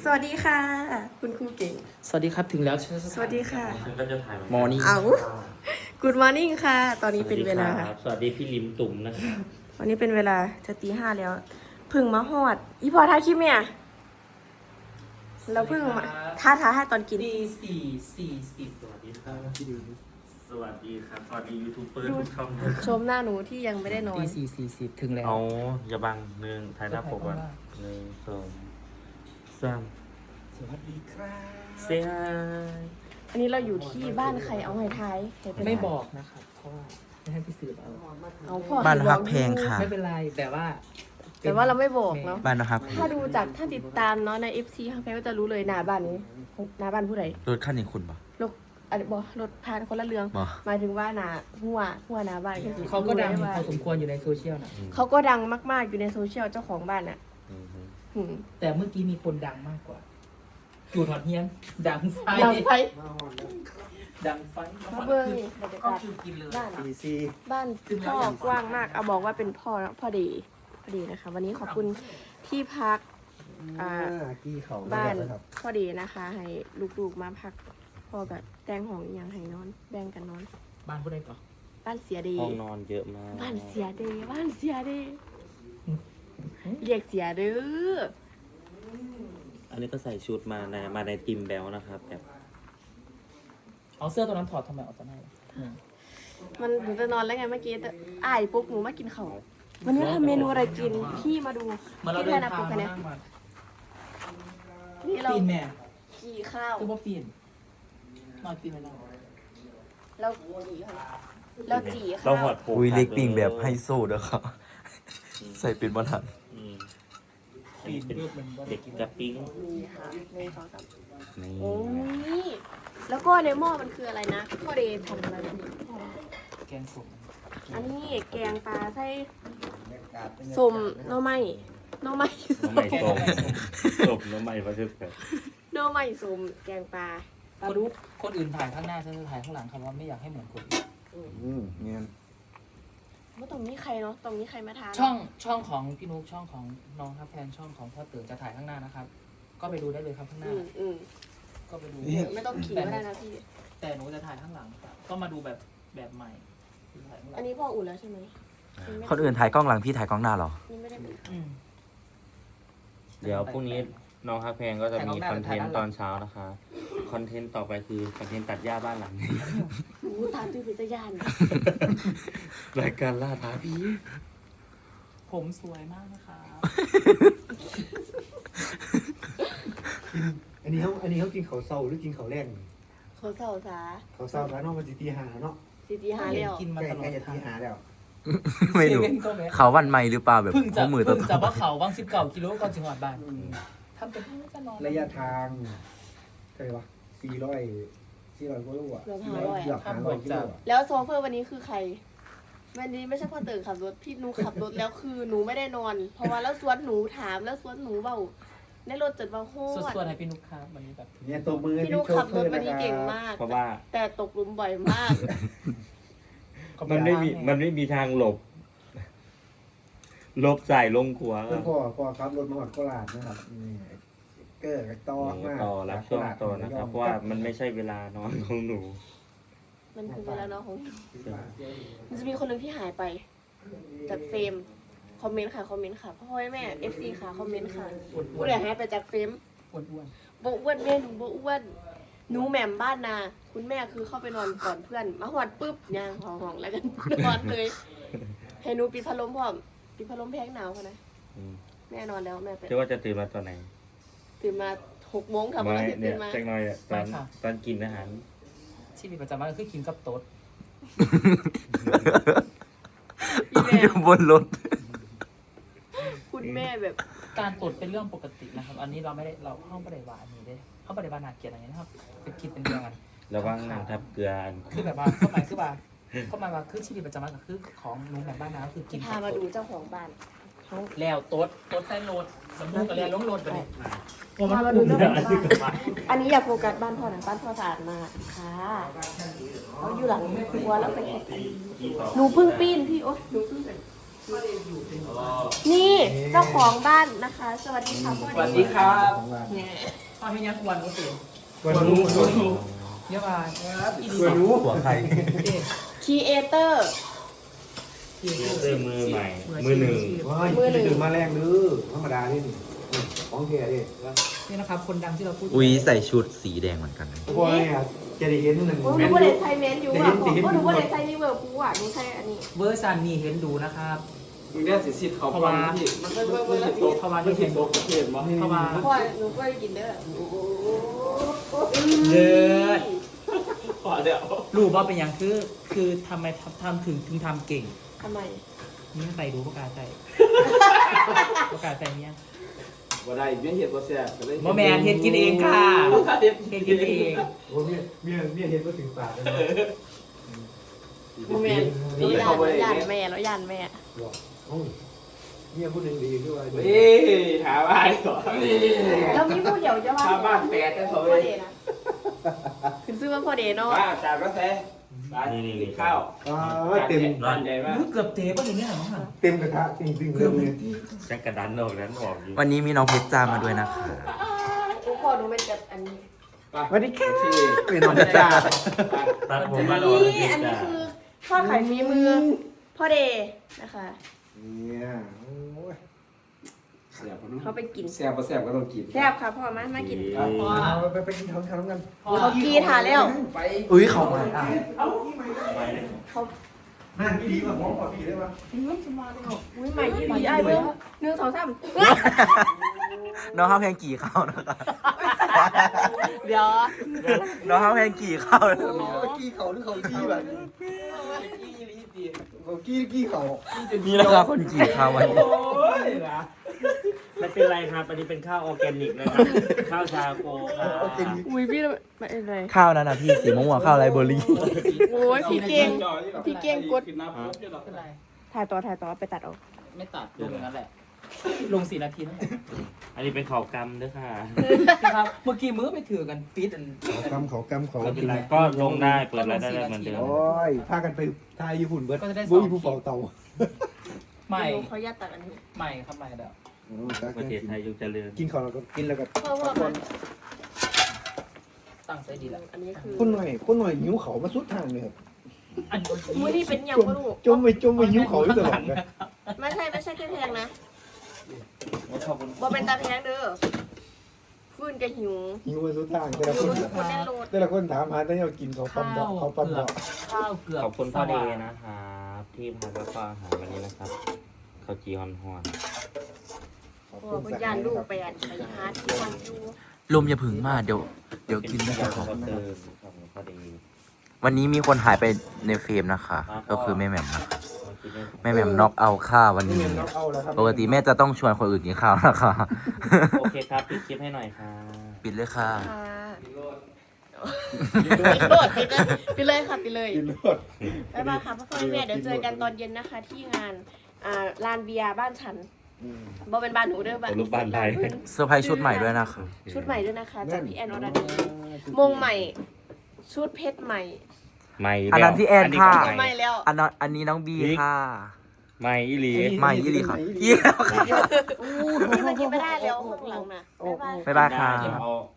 สวัสดีค่ะคุณครูเก่งสวัสดีครับถึงแล้วสวัสดีค่ะก็จะถ่ายมอร์นิ่งเอา Good morning ค่ะ ตอนนี้เป็นเวลาสวัสดีพี่ลิมตุ่มนะครับวันนี้เป็นเวลาจะตี 5แล้วเพึ่งมาฮอดอีพอท้ายคลิปเนี่ยเราเพึ่งมาท้าให้ตอนกินดีสี่สวัสดีครับพี่ลิมสวัสดีครับสวัสดียูทูบเบอร์ทุกช่องชมหน้าหนูที่ยังไม่ได้นอนตี40ถึงแล้วเอาอย่าบังหนึ่งถ่ายหน้าปกก่อนหนึ่งสองสามสวัสดีครับเสียอันนี้เราอยู่ที่บ้านใครเอาให้ท้ายใครเป็นไม่บอกนะครับเพราะว่าไม่ให้พี่สืบเอาเอาพ่อบ้านให้ฮับกอแพงค่ะไม่เป็นไรแต่ว่าแต่ว่าเราไม่บอกเนาะบ้านนะครับถ้าดูจากท่านติดตามเนาะใน FC ข้างใครก็จะรู้เลยหน้าบ้านนี้หน้าบ้านผู้ใดรถขั้นนี้คุณปะรถอันบอรถพานคนละเรื่องบ่หมายถึงว่าหน้าหัวหน้าบ้านก็สิเขาก็ดังรู้ไว่าพอสมควรอยู่ในโซเชียลนะเขาก็ดังมากๆอยู่ในโซเชียลเจ้าของบ้านอ่ะหืมแต่เมื่อกี้มีคนดังมากกว่าจูดหอดเฮียนดังไฟดังไฟดังไฟมาเบิ้งนี่บรรยาก็กาศคือกินเลยบ้านบ้านพ่อกว้างมากเอาบอกว่าเป็นพ่อดีนะคะ วันนี้ขอบคุณที่พักบ้านพ่อดีนะคะ ให้ลูกๆมาพักพ่อแบบแต่งห้องอหย่างให้นอนแบ่งกันนอนบ้านผู้ใดก่อนบ้านเสียดีห้องนอนเยอะมากบ้านเสียดีบ้านเสียดีเรียกเสียเด้ออันนี้ก็ใส่ชุดมาในทีมแบลนะครับแบบเอาเสื้อตัวนั้นถอดทำไมออกจากไหนล่ะมันหนูจะนอนแล้วไงเมื่อกี้แต่อ้ายปุ๊บหนูมากินข้าววันนี้ทำเมนูอะไรกินพี่มาดูมาเราพี่เดิแทนนนะทางปุ๊บกันมาเนี่ยนั่งมานี่เราปีนแม่กี่ข้าวคือว่าปีนนอนปีนไม่ได้เราจีค่ะเราจีข้าเราวหอดโผล่อุ้ยเล็กปิ้งแบบไฮโซเด้อครับ ใส่เป็นบอลทันอืมปีนเป็นเลือกมันว่าเด็กกระปิ้งนี่ค่ะหนึ่งสองสามนี่โอ้ยแล้วก็ในหม้อมันคืออะไรนะพ่อเดย์ทำอะไรนี่แกงส้มอันนี้แกงปลาไส้สมหน่อไม้หน่อไม้น้องใหม่ส้มส้มน้องใหม่มาเชื่อแบบหน่อไม้สมแกงปลาปลาดุกคนอื่นถ่ายข้างหน้าฉันจะถ่ายข้างหลังครับว่าไม่อยากให้เหมือนคนอื่นเงี้ยว่าตรงนี้ใครเนาะตรงนี้ใครมาทานช่องของพี่นุ๊กช่องของน้องครับแฟนช่องของพ่อตื่นจะถ่ายข้างหน้านะครับ ก็ไปดูได้เลยครับข้างหน้า ก็ไปดูไม่ต้องขี่ก็ได้นะพี่แต่หนูจะถ่ายข้างหลัง ก็มาดูแบบใหม่ถ่ายข้างหลัอันงนี้พ่ออุ่นแล้วใช่ไหมคนอื่นถ่ายกล้องหลังพี่ถ่ายกล้องหน้าเหรอนี่ไม่ได้เป็นอืมเดี๋ยวพรุ่งนี้น้องฮักแพงก็จะมีคอนเทนต์ตอนเช้านะคะ คอนเทนต์ต่อไปคือคอนเทนต์ตัดหญ้าบ้านหลังนี้หูตามตื้อพิจยานรายการล่าท้าผีผมสวยมากนะครับอันนี้เขากินเขาวเศร้าหรือกินเขาวแรงเขาเศร้าสาเขาวเศร้าแล้วเนาะมันสิตีหาเนาะสิตีหาเลี้ยวกินมาใกล้ตลอใกล้ดจะตีหาแล้วไม่รู้เซเว่นก็แวะเขาวันใหม่หรือเปล่าแบบเพิ่งจะหัวมือตัวว่าเขาบาง19 กิโลก่อนจังหวัดบ้านทำเป็นไม่จะนอนระยะทางเท่าไหร่วะ400กว่าโลอ่ะเกือบ500 เกือบอ่ะ 500กิโลอ่ะแล้วโซเฟอร์วันนี้คือใคร วันนี้ไม่ใช่พ่อตื่นขับรถพี่หนูขับรถแล้วคือหนูไม่ได้นอน เพราะว่าแล้วสวนหนูถามแล้วสวนหนูเบาในรถจดว่าโคสตวรดๆให้พี่นุ๊กครับวันนี้แบบเนี่ยตัวมือพี่หนูขับรถวันนี้เก่งมากเพราะว่าแต่ตกหลุมบ่อยมากมันไม่มีทางหลบใส่ลงขัวเพื่อนพ่อขับรถมาหอดโคราชนะครับนี่เกอร์กับต่อมากต่อรับช่วงต่อนะครับ เพราะว่ามันไม่ใช่เวลานอนของหนูมันคือเวลาน้องของหนูมันจะมีคนหนึ่งที่หายไป จากเฟรมคอมเมนต์ค่ะคอมเมนต์ค่ะพ่อแม่ FC ค่ะคอมเมนต์ค่ะผู้ใดหายไปจากเฟรมอ้วนบ่อ้วนแม่หนูบ่อ้วนหนูแหม่มบ้านนาคุณแม่คือเข้าไปนอนก่อนเพื่อนมาหอดปุ๊บย่างห้องแล้วกันนอนเลยให้หนูปิดพัดลมพร้อมปิดพัดลมแพงหนาวค่ะนะอืมแม่นอนแล้วแม่ไปเชื่อว่าจะตื่นมาตอนไหนตื่นมา6 โมงทำไม่อะไรเนี่ตื่ยนมาจังหน่อยอะตอนกินอาหารๆชีวิตประจำวันก็คือกินกับโต๊ดพี่แม่อยู่บนรถคุณแม่แบบการตดเป็นเรื่องปกตินะครับ อันนี้เราไม่ได้เราเข้าไม่ได้ว่าอันนี้ได้เข้าไม่ได้ว่านาเกลียดอะไรนะครับเป็นคิดเป็นเรื่องกันระวังน้ำทับเกลืออันคือแบบว่าเข้าหมายว่าชีวิตประจำวันก็คือของหนูแบบบ้านนาคือกินพามาดูเจ้าของบ้านเขาแล้วโต๊ดใส่โหลดสมมุติกับแล้วลงโหลดไปเลยพามาดูเจ้าของบ้านอันนี้อยากโฟกัสบ้านพ่อหน่อยบ้านพ่อสะอาดมากค่ะเขาอยู่หลังครัวแล้วไปหนูเพิ่งปีนพี่โอ๊ยหนูเพิ่งนี่เจ้าของบ้านนะคะ สวัสดีค่ะพ่อสวัสดีครับเนี่ยพ่อให้ยังกวนก็ตื่นกวนรู้เยอะมากกวนรู้หัวใครครีเอเตอร์เสื้อมือใหม่ มือหนึ่งว้ายตื่นมาแรงดื้อธรรมดานี่ของแท้ดินี่นะครับคนดังที่เราพูดอุ้ยใส่ชุดสีแดงเหมือนกันพวกนี้จะได้เห็นหนึ่งโอ้หนูว่าได้ใส่เมนอยู่อ่ะผมก็หนูว่าได้ใส่นี่เวอร์พูอ่ะหนูใส่อันนี้เวอร์ซันนี่เห็นดูนะครับมึงได้สิสิทธิ์เขาฟังที่มันไม่สิทธิ์โตเพราะว่าไม่ที่สิเห็ทนธิ์โตประเทศมั้งเพราะว่าเพราะว่าหนูก็ได้กินเด้อเลิศขอเดี๋ยวรู้ว่าเป็นอย่างคือทำไมทำถึงทำเก่งทำไมนี่ใส่ดูประกาศใส่ประกาศใส่เนี่ยว่าได้เบี้ยเห็ดว่าแซ่บก็เลยโมแมนเห็นกินเองค่ะเห็นกินเองโอ้เมียเห็นก็ถึงปากเลยโมเมนต์เราย่านแม่เราย่านแม่บอกเมียคนหนึ่งดีด้วยเฮ้ยหาบ้านก่อนแล้วมีผู้เดียวจะว่าหาบ้านแปดกันเขาพ่เลอย เดนะคือซื้อว่าพ่อเดเนาะบ้าจานก็แซ่บ้านกินข้าวเต็มบ้านใหญ่มากรู้เกือบเทป่ะอย่างเงี้ยมั้งค่ะเต็มกระทะจริงๆเลยจักระดันออกนั้นออกอยู่วันนี้มีน้องเพชรจ้ามาด้วยนะคะโอ้พ่อหนูเป็นแบบอันนี้สวัสดีค่ะที่เป็นน้องจ้าตัดผมมาดอกนี่อันนี้คือทอดไข่ฝีมือพ่อเดนะคะเนี่ยโอ้ยแซ่บน้เขาไปกินแซ่บก็แซ่บก็ต้องกินแซ่บค่ะพ่อมากินไปกินข้าวกันเขากีถ่าแล้วไปอุ้ยเขามาอ่ะเขานั่นพี่ดีกว่าหมอขอพี่ได้ปะอุ้ยใหม่ยี่ดีไอ้เบิ้ง1 2 3 น้องข้าวแพงกี่ข้าวนะคะเดี๋ยวน้องข้าวแพงกี่ข้าวนะคะกี้เขาหรือเขากี้แบบเขากี้เขานี่นะคะคนกี่ข้าววันนี้โอ้ยนะไม่เป็นไรครับ อันนี้เป็นข้าวออร์แกนิกนะครับ ข้าวชาโคครับอุ้ยพี่ไม่เป็นไรข้าวนั้นนะพี่สีม่วงๆข้าวไรเบอร์รี่โอ้ยพี่เก่ง พี่เก่งกดขึ้นน้ำปุ๊บจะหรอเป็นไรถ่ายต่อไปตัดออกไม่ตัดลงอย่างนั้นแหละ ลง4 นาทีนั่นแหละอันนี้เป็นข้าวกำด้วยค่ะครับเมื่อกี้มือไปถือกันปีดอันกำเขาไม่เป็นไรก็ลงได้เปิดรายได้เหมือนเดิมโอ้ยพากันไปทายญี่ปุ่นเบิร์ดบุ้ยผู้เฝ้าเตาใหม่เขาญาตตัดอันนี้ใหม่ครับใหม่เดี๋ยวประเทศไทยยุคเจริญกินของเราก็กินแล้วก็พ่อมาตั้งใจดีแล้วอันนี้คือคนหน่อยหิวเขามาสุดทางเลยครับอันมือนี่เป็นยังก็ลูกจมไปหิวเขาอยู่ตลอดเลยไม่ใช่แค่แพงนะขอบคุณบ่เป็นตาแพงเด้อฟื้นกับหิวหิวมาสุดทางแต่ละหิควน ทุกคนแน่นโลดแต่ละคนถามหาแต่เรากินเขาปั๊มดอกเขาปั๊มดอกข้าวเกือบขอบคุณพ่อเดย์นะครับที่พาแล้วก็อาหารวันนี้นะครับข้าวจีฮอนฮอนขอบโอ้คุณคุณสักยานนะลูกครับไปอันไปหาที่วันอยู่ลมอย่าผึ่งมากเดี๋ยวกินไม่ได้ขค่ะอบคุณพ่อเดย์วันนี้มีคนหายไปในเฟรมนะคะ ก็คือแม่แหม่มนะคะแม่แหม่มน็อกเอาข้าววันนี้เอาแล้วครับปกติแม่จะต้องชวนคนอื่นกินข้าวนะคะโอเคครับปิดคลิปให้หน่อยค่ะปิดเลยค่ะค่ะปิดเลยปิดเลยค่ะปิดเลยกินรสบ๊ายบายค่ะพ่อแม่เดี๋ยวเจอกันตอนเย็นนะคะ ที่งานลานเบียร์บ้านฉันบ่เป็นบ้านหนูเด้อบ้านรูปบ้านไทยเซอร์ไพรส์ชุดใหม่ด้วยนะคะชุดใหม่ด้วยนะคะจากพี่แอนอรดีมงใหม่ ชุดเพชรใหม่ไม่อันนั้นที่แอนค่ะก็ใหม่แล้วอันนี้น้องบีค่ะไม่อีหลีใหม่ยี่หลีค่ะยี่แล้วค่ะนี่มันกินไม่ได้แล้วข้างหลังนะบ๊ายบายบ๊ายบายค่ะเดี๋ยวเอา